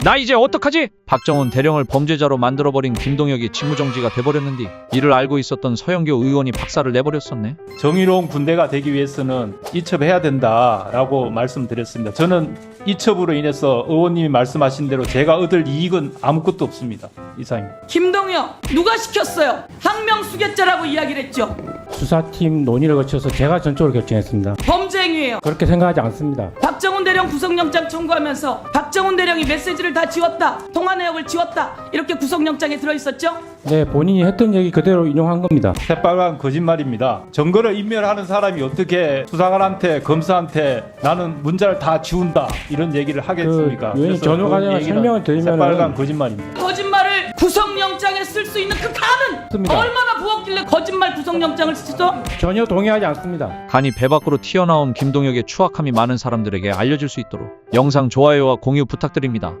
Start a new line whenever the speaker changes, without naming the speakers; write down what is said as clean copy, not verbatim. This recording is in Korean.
나 이제 어떡하지? 박정훈 대령을 범죄자로 만들어버린 김동혁이 직무정지가 돼버렸는데 이를 알고 있었던 서영교 의원이 박살을 내버렸었네.
정의로운 군대가 되기 위해서는 이첩해야 된다라고 말씀드렸습니다. 저는 이첩으로 인해서 의원님이 말씀하신 대로 제가 얻을 이익은 아무것도 없습니다. 이상입니다.
김동혁 누가 시켰어요? 항명수괴죄라고 이야기를 했죠.
수사팀 논의를 거쳐서 제가 전적으로 결정했습니다.
범죄 행위예요.
그렇게 생각하지 않습니다.
박정훈 대령 구속영장 청구하면서 박정훈 대령이 메시지를 다 지웠다, 통화 내역을 지웠다, 이렇게 구속영장에 들어있었죠?
네, 본인이 했던 얘기 그대로 인용한 겁니다.
새빨간 거짓말입니다. 증거를 인멸하는 사람이 어떻게 수사관한테 검사한테 나는 문자를 다 지운다 이런 얘기를 하겠습니까?
의원님
그래서
전후 과정을
얘기는
설명을 드리면은
새빨간 거짓말입니다.
거짓말을 구속영장에 쓸 수 있는 그 칸은
맞습니다.
얼마나 부었길래 거짓말 구속영장을 쓰죠?
전혀 동의하지 않습니다.
간이 배 밖으로 튀어나온 김동혁의 추악함이 많은 사람들에게 알려질 수 있도록 영상 좋아요와 공유 부탁드립니다.